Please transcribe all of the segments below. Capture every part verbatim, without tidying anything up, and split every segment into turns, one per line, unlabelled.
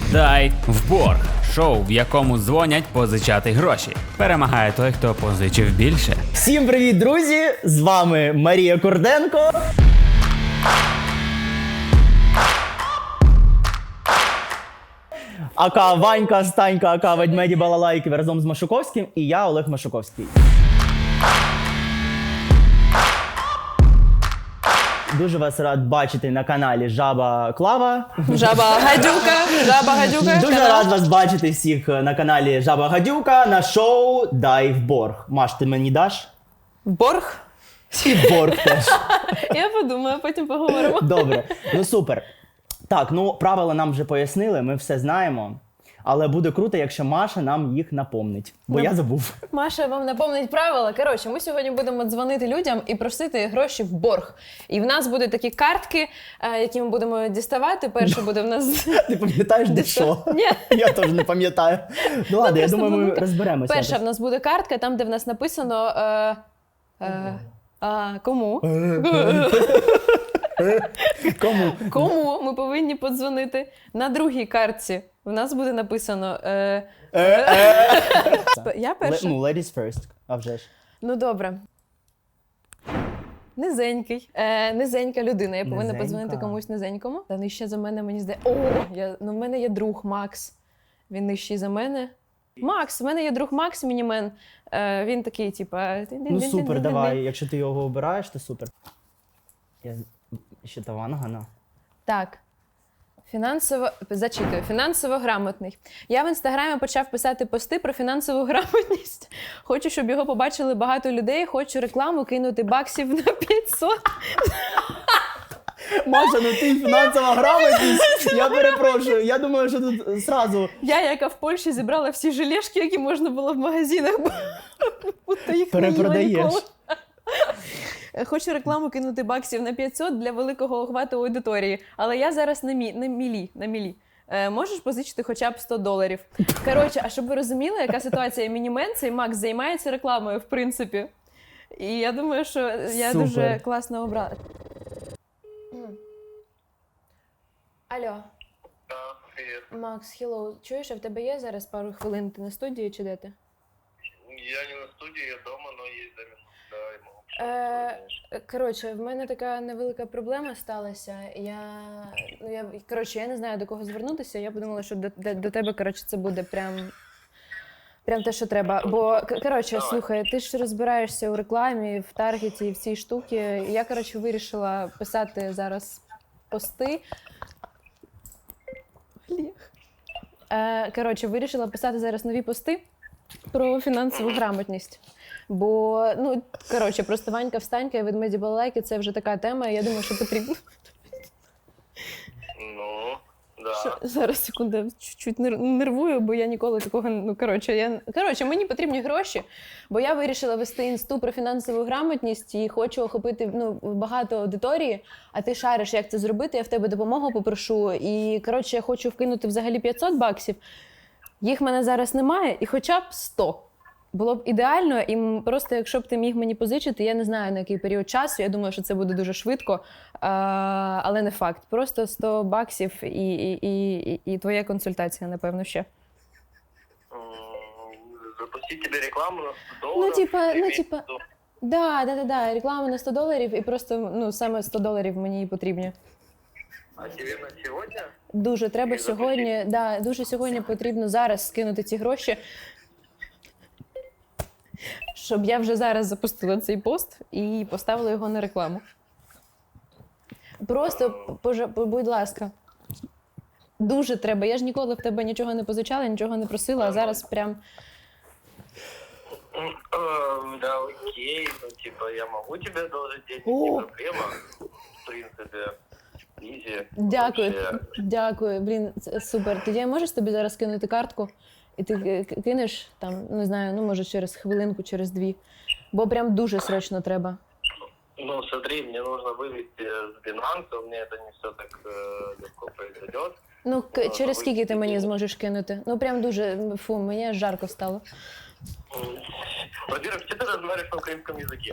Дай в борг. Шоу, в якому дзвонять позичати гроші. Перемагає той, хто позичив більше.
Всім привіт, друзі! З вами Марія Курденко. Ака Ванька, Станька, Ака Ведмеді Балалайки разом з Машуковським і я, Олег Машуковський. Дуже вас рад бачити на каналі Жаба Клава.
Жаба Гадюка, Жаба Гадюка.
Дуже
канал.
рад вас бачити всіх на каналі Жаба Гадюка на шоу Дай в борг. Маш, ти мені даш?
Борг?
І борг теж.
Я подумаю, потім поговоримо.
Добре, ну супер. Так, ну правила нам вже пояснили, ми все знаємо. Але буде круто, якщо Маша нам їх напомнить. Бо я забув.
Маша вам напомнить правила. Коротше, ми сьогодні будемо дзвонити людям і просити гроші в борг. І в нас будуть такі картки, е, які ми будемо діставати. Перше буде в нас...
Ти пам'ятаєш, де що?
Ні.
Я теж не пам'ятаю. Ну ладно, я
просто
думаю, ми
буде-
розберемося.
Перша в нас буде картка, там, де в нас написано... Е, е, а, кому?
Кому?
Кому ми повинні подзвонити? На другій картці в нас буде написано... Е, я перша?
Ну, ladies first, а вже ж.
Ну, добре. Низенький. Е, низенька людина. Я повинна
Низенька.
подзвонити комусь низенькому. Та нижче за мене, мені здається. О, я, ну, в мене є друг Макс. Він нижчий за мене. Макс, в мене є друг Макс Мінімен. Е, він такий, типа...
Ну супер, давай. Якщо ти його обираєш, то супер. Я ще та вангана.
Так. Фінансово... Зачитую. Фінансово грамотний. Я в Інстаграмі почав писати пости про фінансову грамотність. Хочу, щоб його побачили багато людей. Хочу рекламу кинути баксів на п'ятсот.
Маша, ну ти фінансова грамотність. Я перепрошую. Я думаю, що тут зразу
Я, яка в Польщі зібрала всі желешки, які можна було в магазинах, бо будто їх не їла
перепродаєш.
ніколи. Хочу рекламу кинути баксів на п'ятсот для великого охвату аудиторії, але я зараз на, мі, на мілі. На мілі. Е, можеш позичити хоча б сто доларів. Коротше, а щоб ви розуміли, яка ситуація, Мінімен, цей Макс займається рекламою, в принципі. І я думаю, що я
Супер.
дуже класно обрала. Алло.
Да, привет.
Макс, хеллоу. Чуєш, а в тебе є зараз пару хвилин? Ти на студії чи де ти?
Я не на студии, я дома, но есть за минуту. Да, я могу.
Е, коротше, в мене така невелика проблема сталася. Я, ну, я, коротше, я не знаю, до кого звернутися. Я подумала, що до, до, до тебе, коротше, це буде прям, прям те, що треба. Бо, к- коротше, слухай, ти ж розбираєшся у рекламі, в таргеті і в цій штуці. Я, коротше, вирішила писати зараз пости. Олег. Е, коротше, вирішила писати зараз нові пости про фінансову грамотність. Бо, ну, коротше, просто Ванька Встанька і Ведмеді Балалайки – це вже така тема, і я думаю, що потрібно...
Ну, да.
Що? Зараз, секунду, я чуть-чуть нер- нервую, бо я ніколи такого... Ну, коротше, я... коротше, мені потрібні гроші, бо я вирішила вести інсту про фінансову грамотність і хочу охопити, ну, багато аудиторії, а ти шариш, як це зробити, я в тебе допомогу попрошу. І, коротше, я хочу вкинути взагалі п'ятсот баксів. Їх в мене зараз немає, і хоча б сто. Було б ідеально, і м- просто якщо б ти міг мені позичити, я не знаю, на який період часу, я думаю, що це буде дуже швидко, а, але не факт. Просто сто баксів і, і, і, і, і твоя консультація, напевно, ще.
М, Запустить тебе рекламу на сто
Ну,
долларов.
типа,
ты
ну,
имеешь
типа,
в виду?
да, да, да, да, реклама на сто доларів, і просто, ну, саме сто доларів мені і потрібні.
А тебе на сегодня?
Дуже треба
І запустити?
сьогодні, да, дуже сьогодні потрібно зараз скинути ці гроші, щоб я вже зараз запустила цей пост і поставила його на рекламу. Просто, пожа- будь ласка, дуже треба. Я ж ніколи в тебе нічого не позичала, нічого не просила, а зараз прям...
М, э, Да, окей, ну, типа, я могу тебе одолжить денег,
О.
не проблема. В принципе, изи.
Дякую,
Вообще.
дякую, блін, це супер. Тоді я можеш тобі зараз кинути картку, і ти ки- ки- кинеш там, не знаю, ну може через хвилинку, через дві, бо прям дуже срочно треба.
Ну, смотри, мне нужно вывести с Binance, у меня это не все так э, легко произойдет.
Ну, к-
Ну,
через
ви-
скільки ти мені зможеш кинути? Ну прям дуже, фу, мені аж жарко стало.
М, Во-первых, что ты разговариваешь на украинском языке?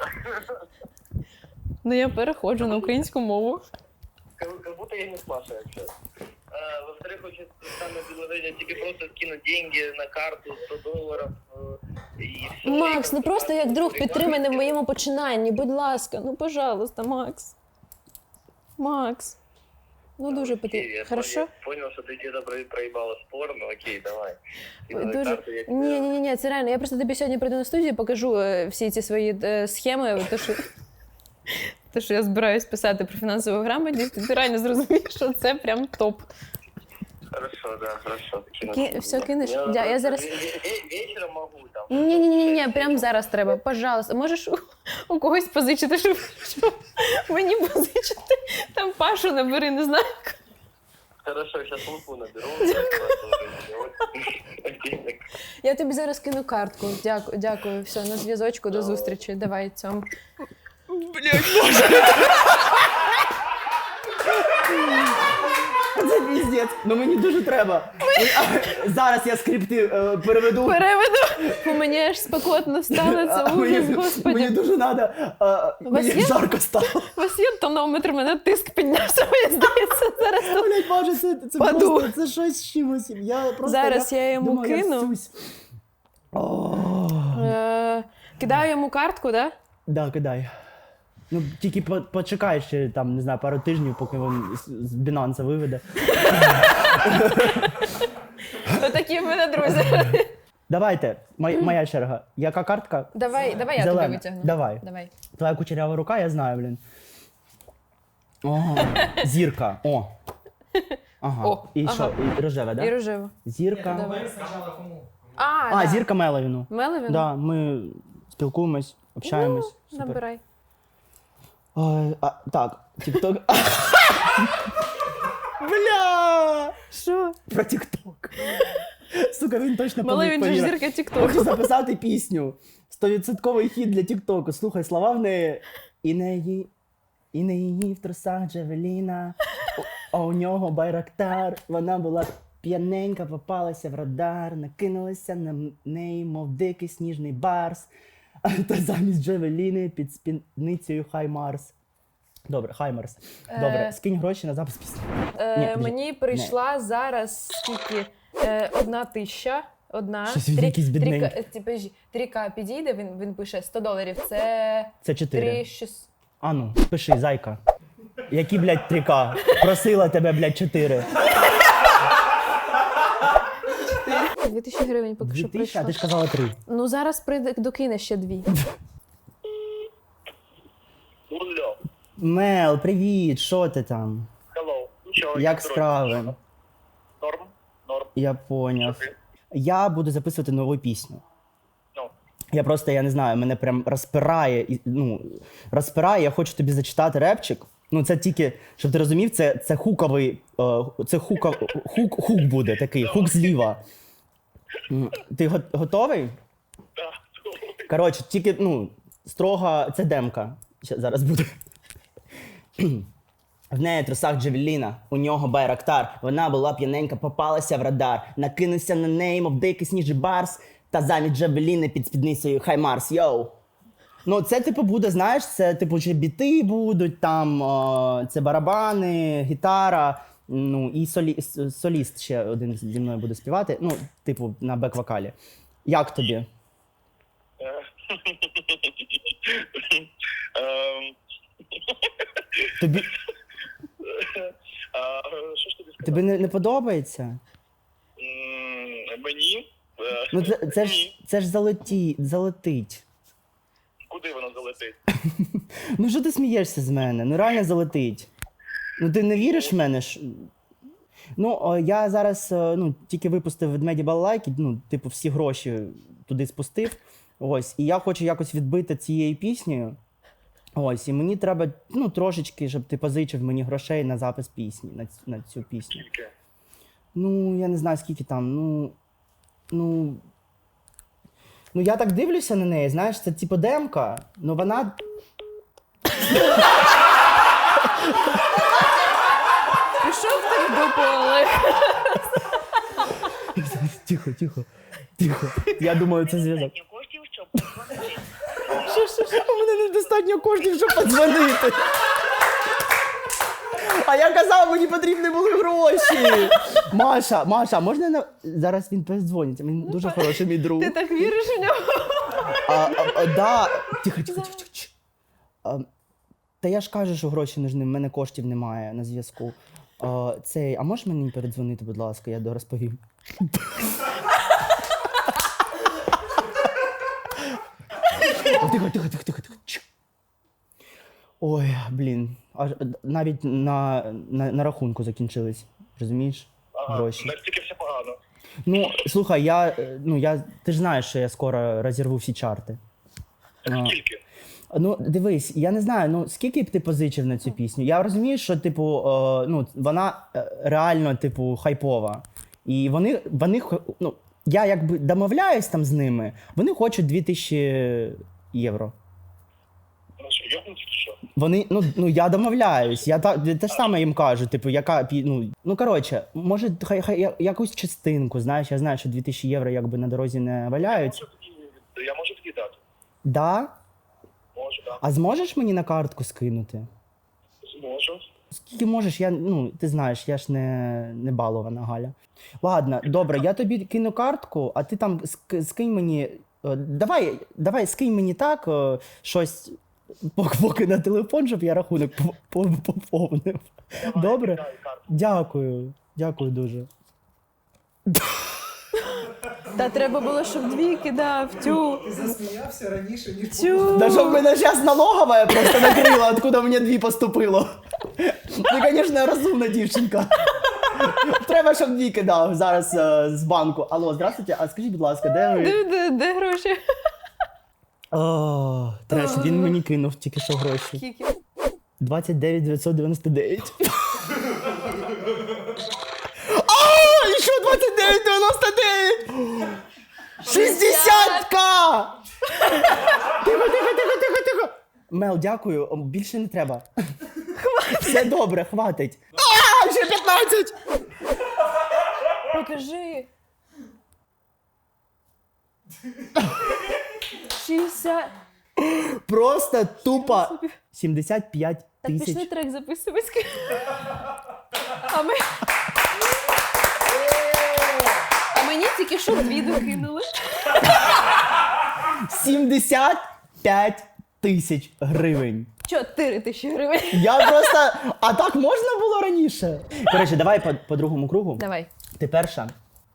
Ну я переходжу на українську мову.
Как как будто я не с Машей общаюсь. э, во-вторых, очень странное предложение тебе просто скинуть деньги на карту сто долларов. э, И все.
Макс, ну просто як друг підтримай мене в моєму починанні, будь ласка, ну пожалуйста, Макс. Макс. Ну дуже потрібно. Хорошо?
Я понял, что ты где-то про- проебала спор, ну окей, давай. Скидывай
Дуже...
карту, я тебе-
Ні, ні, ні, ні, це реально. Я просто тобі сьогодні прийду на студію, покажу е, всі ці свої е, схеми, то що, то, що я збираюсь писати про фінансову грамотність, і ти реально зрозумієш, що це прям топ.
Хорошо, да, хорошо. кину
Ки-
тебе.
всё, кинешь?
Я
Да, я
просто
зараз-
ве- ве- Вечером могу там.
Ні, ні, ні, ні, прям зараз треба. Пожалуйста, можеш у, у когось позичити, щоб, щоб мені позичити. Там Пашу набери, не знаю.
Хорошо, сейчас лупу наберу.
Я тобі зараз кину картку. Дякую, дякую. Все, на зв'язочку, до зустрічі. Давай, цьому.
Це піздець. Ну мені дуже треба. Зараз я скрипти е, переведу.
Переведу. Бо мені аж спекотно стало, це
А,
ужас,
мені,
господи.
мені дуже треба. Мені
є?
жарко стало.
У вас є тонометр, мене тиск піднявся, мені здається, зараз тут.
Блять, Боже, це, це
Паду.
просто це щось з чимось. Я просто,
Зараз я йому
думаю, я
кину.
всусь. О,
Е, Кидаю йому картку, так?
да, кидай. Ну, тільки по- почекай ще там, не знаю, пару тижнів, поки він з, з Binance виведе.
Да? Отакі в мене друзі.
Давайте, моя, моя черга. Яка картка?
Давай, давай я
Зелена.
тобі витягну.
Давай.
Давай.
Твоя кучерява рука, я знаю, блін. О, зірка. О. Ага.
О,
І
ага.
що? І рожева,
І
да?
рожево.
Зірка.
Давай. А,
А,
да.
зірка Меловіну.
Меловін?
Да, ми спілкуємось, общаємось.
Ну,
Супер.
набирай.
Ой, а, так, TikTok. Бля!
Що?
Про TikTok. Сука, він точно
Малий, він же ж
повірив.
зірка Тіктоку.
Хочу записати пісню. Стовідсотковий хіт для Тіктоку. Слухай, слова в неї. І не її, і не її в трусах Джавеліна, а у нього байрактар. Вона була п'яненька, попалася в радар, накинулася на неї, мов дикий сніжний барс. Та замість Джавеліни під спідницею Хай Марс. Добре, Хай Марс. Добре,
Е.
скинь гроші на запис пісні.
Е,
Ні, подожди.
мені прийшла зараз скільки? Е, одна тисяча. Одна.
Щось він якийсь бідненький.
Тріка- е, подожди, три К підійде, він, він пише сто доларів. Це
Це чотири.
три шість.
А ну, пиши, зайка. Які, блядь, три К? Просила тебе, блядь, чотири.
Дві тисячі гривень поки
Дві
що
тисячі, а
прийшло.
ти ж казала три.
Ну зараз прийде, докине ще дві.
Улё.
Мел, привіт, що ти там?
Hello. Ничего,
Як
не
справи?
трогай. Норм? Норм.
Я поняв.
Окей.
Я буду записувати нову пісню.
Ну,
Я просто, я не знаю, мене прям розпирає, і, ну, розпирає, я хочу тобі зачитати репчик. Ну, це тільки, щоб ти розумів, це, це хуковий, е, це хука, хук, хук буде такий, хук зліва. М, Ти го- готовий?
да.
Коротше, тільки, ну, строго, це демка. Ща, зараз буде. В неї трусах Джавеліна, у нього байрактар. Вона була п'яненька, попалася в радар. Накинувся на неї, мов дикий сніжний барс. Та замість Джавеліни під спідницею Хай Марс, йоу. Ну, це, типу, буде, знаєш, це, типу, чи біти будуть, там, о, це барабани, гітара, ну, і солі, с- соліст ще один зі мною буде співати, ну, типу, на бек-вокалі. Як тобі?
Эм,
Тобі,
а, Що ж тобі сказати?
тобі не, не подобається?
М, Мені? Е,
Ну, це, це, ж,
ні.
це ж залеті, залетить.
Куди воно залетить?
Ну, що ти смієшся з мене? Ну, реально залетить. Ну, ти не віриш в мене? Ж? Ну, о, я зараз е, ну, тільки випустив ведмеді балалайки, ну, типу, всі гроші туди спустив. Ось, і я хочу якось відбити цією піснею. Ось, і мені треба, ну, трошечки, щоб ти позичив мені грошей на запис пісні, на, ць- на цю пісню.
Тільки.
Ну, я не знаю, скільки там, ну. Ну. Ну, я так дивлюся на неї, знаєш, це типу демка, ну вона.
Пішов ти в дупу, Олег.
Тихо, тихо, тихо. Я думаю, це зв'язок.
коштів, щоб подзвонити.
Що, що, що? У мене недостатньо коштів, щоб подзвонити. А я казав, мені потрібні були гроші. Маша, Маша, можна на... Зараз він передзвонить, він дуже хороший мій друг.
Ти так віриш у нього?
А, а, а, да. Тихо, тихо, тихо, тихо. А, та я ж кажу, що гроші нужні, в мене коштів немає на зв'язку. А, цей, а можеш мені передзвонити, будь ласка, я дорозповім. Тихо, тихо, тихо, тихо, тихо. Чш. Ой, блін. Аж навіть на, на, на рахунку закінчились. Розумієш? Гроші.
Настільки все погано.
Ну, слухай, я, е, ну, я, ти ж знаєш, що я скоро розірву всі чарти. А,
Скільки?
ну, дивись, я не знаю, ну, скільки б ти позичив на цю пісню? Я розумію, що, типу, е, ну, вона е, реально, типу, хайпова. І вони, вони, хо- ну, я якби домовляюсь там з ними, вони хочуть дві тисячі євро.
Ну що, йобнуться чи що?
Вони, ну, ну я домовляюсь, я та, те ж саме їм кажу, типу, яка, пі- ну, ну, коротше, може, хай, хай я- якусь частинку, знаєш, я знаю, що дві тисячі євро якби на дорозі не валяються.
Можу тоді- Я можу тоді дати.
Да?
Можу, так.
А зможеш мені на картку скинути?
Зможу.
Скільки можеш, я, ну, ти знаєш, я ж не, не балована Галя. Ладно, добре, я тобі кину картку, а ти там ск- скинь мені. е, Давай, давай, скинь мені так, е, щось пок- поки на телефон, щоб я рахунок по- по- поповнив. Добре?
Дай карту.
Дякую. Дякую дуже.
Та треба було, щоб дві кидав. Тю.
Ти засміявся раніше, ніж
Тю.
Да щоб мене зараз налогова просто накрила, откуда мені дві поступило. Ти, звісно, розумна дівчинка. Треба, щоб дві кидав зараз е, з банку. Алло, здравствуйте, а скажіть, будь ласка, де ви?
Де, де, де гроші?
О, треш, він мені кинув тільки що гроші.
Скільки?
двадцять дев'ять дев'ятсот дев'яносто дев'ять. А, і що двадцять дев'ять дев'яносто дев'ять? шістдесят к! Тихо, тихо, тихо, тихо, тихо. Мел, дякую, о, більше не треба. Все добре, хватить. А, ще п'ятнадцять!
Покажи. шістдесят.
Просто тупо сімдесят п'ять
Так пішли
тисяч.
трек записувати. А ми... А мені тільки що дві докинули.
сімдесят п'ять тисяч гривень.
Чотири тисячі гривень.
Я просто. А так можна було раніше? Коротше, давай по, по другому кругу.
Давай.
Ти перша.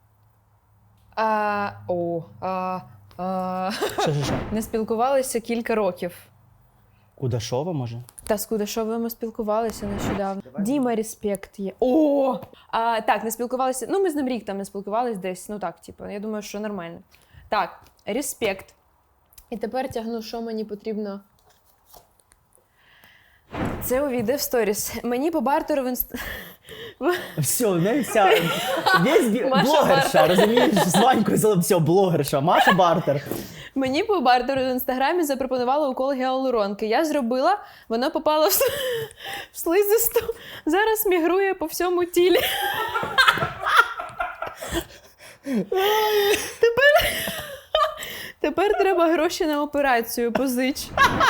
А, о, а, а,
Що, що, що?
не спілкувалися кілька років.
Кудашова, може?
Та з Кудашовим ми спілкувалися нещодавно. Діма Респект є. О! А, так, не спілкувалися. Ну, ми з ним рік там не спілкувалися десь. Ну так, типу, я думаю, що нормально. Так, Респект. І тепер тягну, що мені потрібно. Це увійде в сторіс. Мені по бартеру в інст...
Все, не вся. Весь бі-
Маша
блогерша,
Бартер.
розумієш? З Ванькою зали- все, блогерша. Маша Бартер.
Мені по бартеру в інстаграмі запропонували укол гіалуронки. Я зробила, воно попало в, с- в слизисту. Зараз мігрує по всьому тілі. Тепер... Тепер треба гроші на операцію, позич.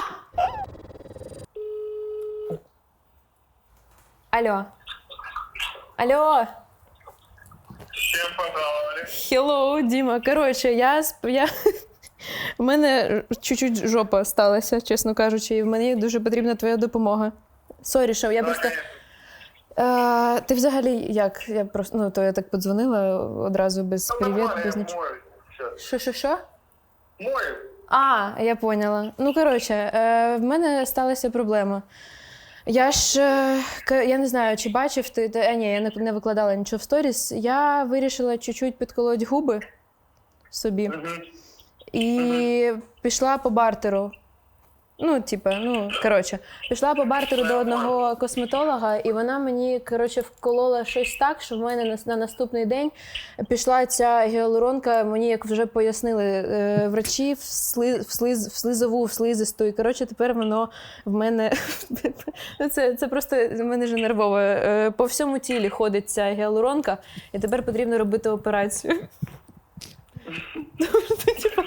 Алло. Алло.
З чим пожаловали?
Hello, Діма. Коротше, я, сп- я... в мене чуть-чуть жопа сталася, чесно кажучи, і в мені дуже потрібна твоя допомога. Сорі, що я просто... Е, ти взагалі як? Я просто, ну, то я так подзвонила одразу без привіт, без нічого. Що, що, що?
Мой.
А, я поняла. Ну, коротше, е, в мене сталася проблема. Я ж, е, к- я не знаю, чи бачив ти, та, а, ні, я не, не викладала нічого в сторіс. Я вирішила чуть-чуть підколоть губи собі і пішла по бартеру. Ну, типа, ну, коротше, пішла по бартеру до одного косметолога, і вона мені, коротше, вколола щось так, що в мене на, на наступний день пішла ця гіалуронка, мені, як вже пояснили е, врачі, в, сли, в, слиз, в слизову, в слизисту, і, коротше, тепер воно в мене, ну, це, це просто, в мене вже нервово, е, по всьому тілі ходить ця гіалуронка, і тепер потрібно робити операцію. Ну, типу, ну, ти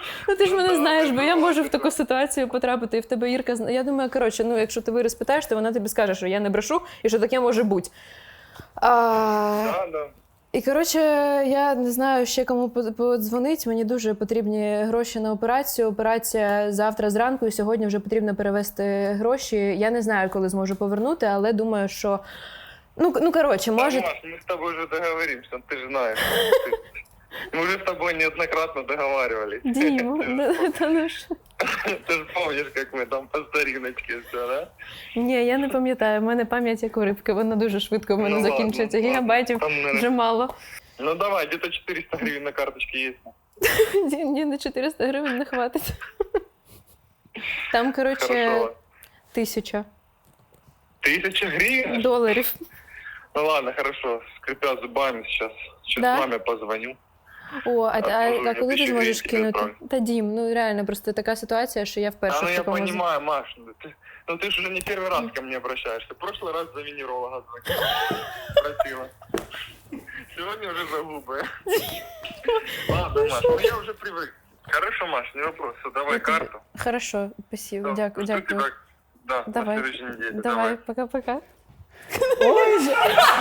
ти ж мене
Ну,
знаєш, бо я
давай,
можу в
давай.
таку ситуацію потрапити, і в тебе Ірка зна- Я думаю, коротше, ну якщо ти Вири спитаєш, то вона тобі скаже, що я не брешу і що таке може бути. А...
Да, да.
І коротше, я не знаю ще кому по- подзвонить. Мені дуже потрібні гроші на операцію. Операція завтра зранку, і сьогодні вже потрібно перевести гроші. Я не знаю, коли зможу повернути, але думаю, що ну, ну коротше, може.
Да, Маш, мы с тобой уже договоримся, ты же знаешь. Мы уже с тобой неоднократно договаривались.
Дім, ну, та ну що?
Ты же помнишь, как мы там по стариночке все, да?
Ні, я не пам'ятаю. В мене пам'ять як у рибки, вона дуже швидко в мене
Ну, ладно,
закінчується.
ладно.
Гігабайтів
Там, наверное,
вже мало.
Ну давай, где-то четыреста гривен на карточке есть.
Ні, ні, на чотириста гривень не хватить. Там, коротше,
Хорошо.
тисяча
Тысяча гривен?
доларів.
Ну ладно, хорошо. Скрипя зубами сейчас. Сейчас
Да?
маме позвоню.
О, а, а, а,
Отправлю
коли ти
тисячу
зможеш
гривень,
кинути?
відправлю.
Та Дім, ну реально, просто така ситуація, що я вперше
А ну
в
я
такому...
понимаю, Маш, ну ты, ну ты же уже не первый раз ко мне обращаешься. В прошлый раз за венеролога звонила. Просила. Сегодня уже за губы. Ладно, Маш, ну я уже привык. Хорошо, Маш, не вопрос. Все, давай
Я тобі-
карту.
Хорошо, спасибо,
Да,
дякую,
жду
дякую.
тебя, Да,
Давай,
на следующей неделе.
давай, пока-пока.
Ой, же.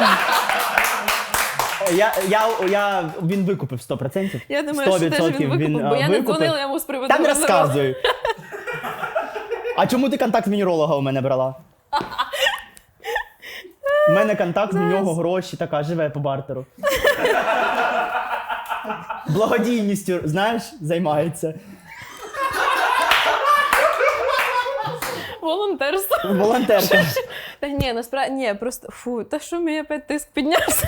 Я, я, я, він викупив сто відсотків.
Я думаю, що теж він викупив, бо
а,
я не
викупив.
дзвонила йому з приводу
Та не
венеролога.
розказуй. А чому ти контакт венеролога у мене брала? У мене контакт, в нього гроші, така, живе по бартеру. Благодійністю, знаєш, займається.
Волонтерство.
Волонтерка.
Та ні, насправді, ні, просто, фу, та що мені опять тиск піднявся?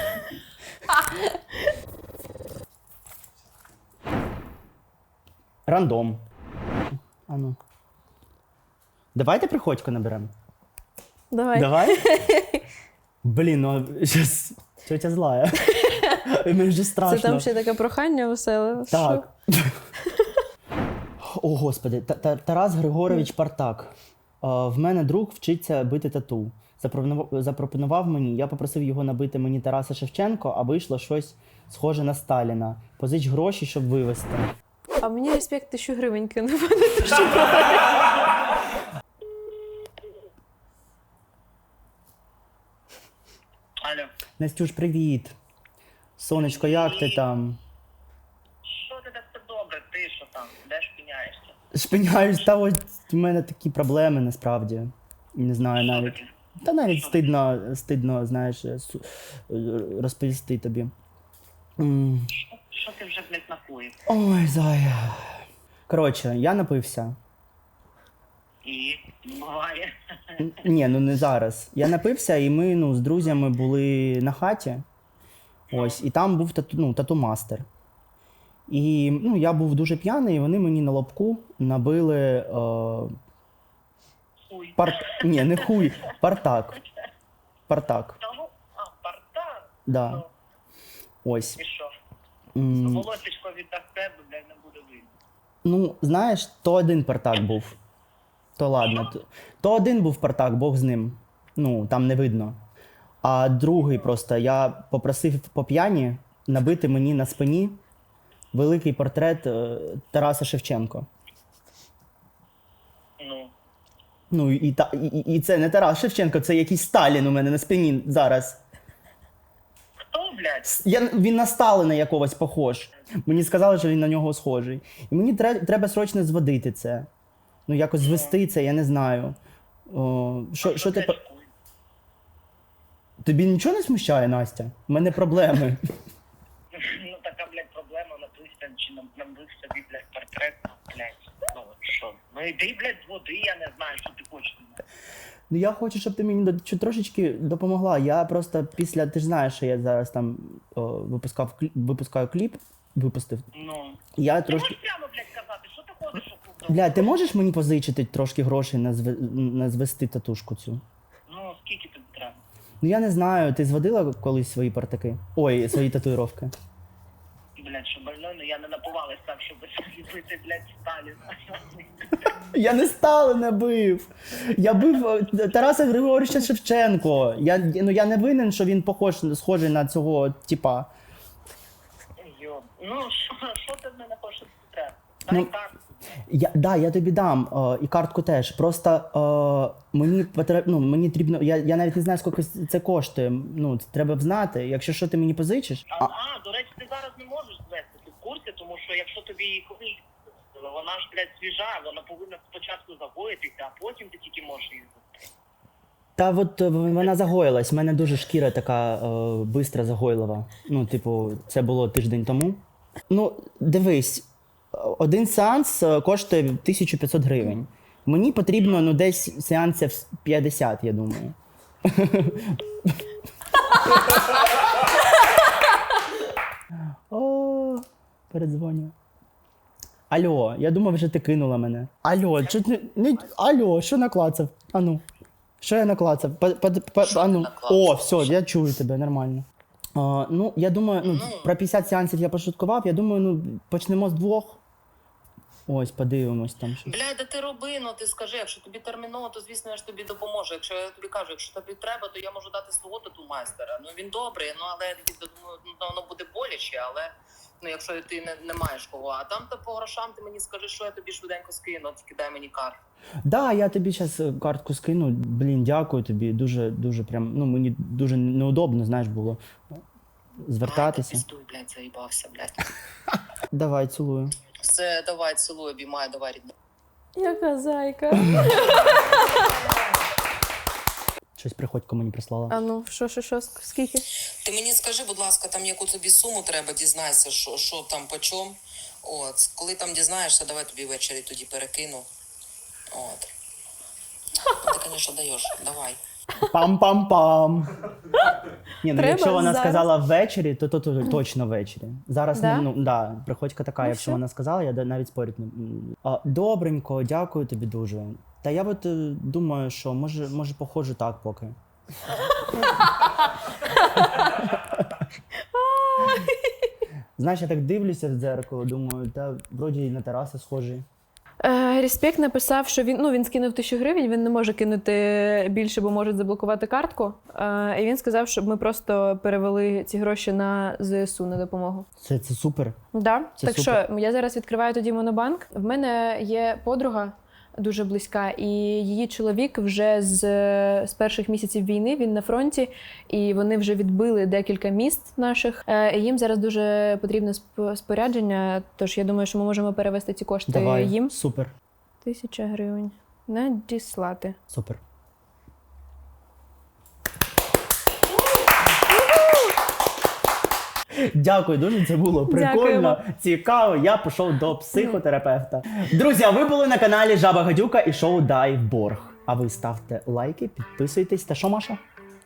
Рандом. А ну. Давайте приходько наберемо.
Давай.
Давай? Блін, ну щас тетя злая. Мені вже
Це
страшно.
там ще таке прохання веселе.
Так. О, господи, Та- Та- Тарас Григорович Партак. А, В мене друг вчиться бити тату. Запропонував, запропонував мені, я попросив його набити мені Тараса Шевченко, а вийшло щось схоже на Сталіна. Позич гроші, щоб вивезти.
А мені респект тисячу гривень кинув.
Алло,
Настюш, привіт. Сонечко, як ти там?
що ти так все добре? Ти що там? Де шпиняєшся?
Шпиняюсь, та ось в мене такі проблеми насправді. Не знаю
Що
навіть.
таке?
Та навіть стидно, стидно, знаєш, су- розповісти тобі. М.
Що ти вже, блядь, напоїв?
Ой, зая. Коротше, я напився.
І буває.
Н- Ні, ну не зараз. Я напився, і ми ну, з друзями були на хаті. Ось, і там був тату, ну, тату-мастер. І ну, я був дуже п'яний, і вони мені на лобку набили. Е,
Хуй.
пар... Ні, не хуй, партак. Партак.
Того? А, парта?
Да.
Ну,
Ось.
і що?
М,
Волосечко від тебе, блядь, не буде видно.
Ну, знаєш, то один партак був. То ладно. То, то один був партак, Бог з ним. Ну, там не видно. А другий просто я попросив по п'яні набити мені на спині великий портрет е, Тараса Шевченко.
Ну,
Ну, і, та, і, і це не Тарас Шевченко, це якийсь Сталін у мене на спині зараз.
хто, блядь?
С- Я, він на Сталина якогось похож. Мені сказали, що він на нього схожий. І мені тре- треба срочно зводити це. Ну, якось звести це, я не знаю. О, що, що ти...
блядь,
по-
хуй?
Тобі нічого не смущає, Настя? У мене проблеми.
Ну, така, блядь, проблема, напився, чи нам, набив собі, блядь, портрет, блядь. Ну, от що? Ну, іди, блядь, з води, я не знаю, що ти хочеш.
Ну, я хочу, щоб ти мені до- чуть трошечки допомогла. Я просто після, ти ж знаєш, що я зараз там о, випускав, кліп, випускаю кліп, випустив.
Ну,
Я
ти
трошки...
можеш прямо, блядь, казати, що ти ходиш у клуб?
Бля, ти можеш мені позичити трошки грошей на, зве... на звести татушку цю?
Ну, скільки тобі треба?
Ну я не знаю, ти зводила колись свої партаки? Ой, свої татуїровки.
Блядь, що больной, ну я не напувалась так, щоб зліпити, блядь, Сталіна.
Я не Сталина бив. Я бив е, Тараса Григоровича Шевченко. Я, ну, я не винен, що він похож, схожий на цього типа.
Йо. Ну, що, що ти в мене хочеш, що тобі треба? Дай
Ну,
так.
Я, да, я тобі дам е, і картку теж. Просто е, мені потрібно, ну, мені потрібно, я, я навіть не знаю, скільки це коштує. Ну, це треба б знати. Якщо що ти мені позичиш.
А, а, до речі, ти зараз не можеш звести, ти в курсі, тому що якщо тобі її колись, вона ж, блядь, свіжа, вона повинна спочатку загоїтися, а потім ти тільки можеш її звести.
Та от е, вона загоїлась. У мене дуже шкіра така е, бистра загойлива. Ну, типу, це було тиждень тому. Ну, дивись, один сеанс е, коштує тисячу п'ятсот гривень. Мені потрібно ну, десь сеансів п'ятдесят, я думаю. О, передзвоню. Алло, я думав, вже ти кинула мене. Алло, чуть не, не алло, що наклацав? Ану. Що я наклацав? По, по, по, ану. О, все, я чую тебе, нормально. А, ну, я думаю, ну, про п'ятдесят сеансів я пошуткував, я думаю, ну, почнемо з двох. Ось, подивимось там щось.
Бля, да ти роби, ну ти скажи, якщо тобі терміново, то звісно я ж тобі допоможу. Якщо я тобі кажу, якщо тобі треба, то я можу дати свого тату майстера. Ну він добрий, ну але я думаю, ну, воно буде боляче, але ну якщо ти не, не маєш кого. А там то по грошам ти мені скажи, що я тобі швиденько скину, тільки дай мені карту.
Да, я тобі зараз картку скину. Блін, дякую тобі. Дуже, дуже прям, ну мені дуже неудобно, знаєш, було звертатися.
Піздуй, блядь, заїбався, блядь.
Давай, цілую.
Все, давай, цілую, обіймаю, давай, рідна.
Яка зайка.
Щось приходько мені прислала.
А ну, що, що, що, скільки?
Ти мені скажи, будь ласка, там яку тобі суму треба, дізнайся, що, що там по чому. От, коли там дізнаєшся, давай тобі ввечері тоді перекину. От. Ну, ти, звісно, даєш, давай.
Пам-пам-пам. Ні, ну
Треба
якщо вона
зараз.
сказала ввечері, то, то, то точно ввечері. Зараз
Да?
ну да, приходька така,
Ну,
якщо
все.
вона сказала, я да- навіть спорити не. А, добренько, дякую тобі дуже. Та я от е, думаю, що може, може походжу так поки. Знаєш, я так дивлюся в дзеркало, думаю, та вроді і на Тараса схожий.
Е, Респект написав, що він, ну, він скинув тисячу гривень, він не може кинути більше, бо можуть заблокувати картку. Е, і він сказав, щоб ми просто перевели ці гроші на ЗСУ на допомогу.
Це, це супер.
Да?
Це
так
супер.
що, я зараз відкриваю тоді монобанк. В мене є подруга дуже близька, і її чоловік вже з, з перших місяців війни, він на фронті, і вони вже відбили декілька міст наших. Е, і їм зараз дуже потрібне сп- спорядження, тож я думаю, що ми можемо перевести ці кошти
Давай,
їм.
супер,
Тисяча гривень. Надіслати.
супер. Дякую дуже, це було прикольно,
Дякуємо.
цікаво. Я пішов до психотерапевта. Друзі, а ви були на каналі Жаба Гадюка і шоу Дай в борг. А ви ставте лайки, підписуйтесь. Та що, Маша?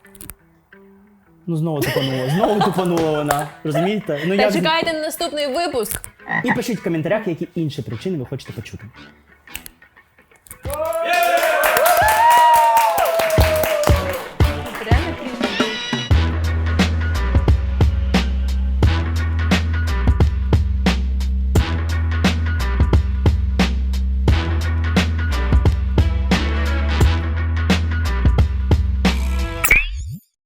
Ну знову тупанула, знову тупанула вона. Розумієте? Ну,
Та
як...
чекайте на наступний випуск!
І пишіть в коментарях, які інші причини ви хочете почути.